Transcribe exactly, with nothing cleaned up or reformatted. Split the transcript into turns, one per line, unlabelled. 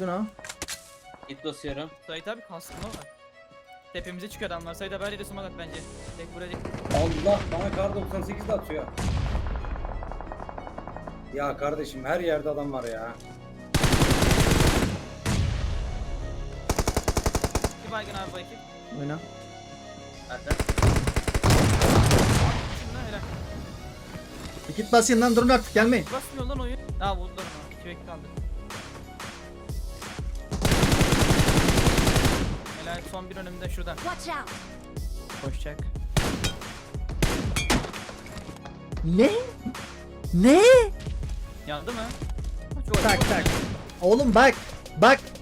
Baygın o.
Git basıyorum.
Sait abi kaskına var. Tepemize çıkıyor adamlar. Sait abi her yere sumak at bence. Tek buraya değil.
Allah bana kar doksan sekiz de atıyor. Ya kardeşim her yerde adam var ya.
Bir baygın abi bu ekip.
Oyna.
Nerede?
Şundan helal.
Git basayım lan, durun artık, gelmeyin.
Basmıyor lan oyun. Ha vurdular onu. İki bekle kaldı. Helal son bir önümde şuradan.
Watch out!
Koşacak.
Ne? Ne?
Yandı mı?
Tak tak. Oğlum bak. Bak.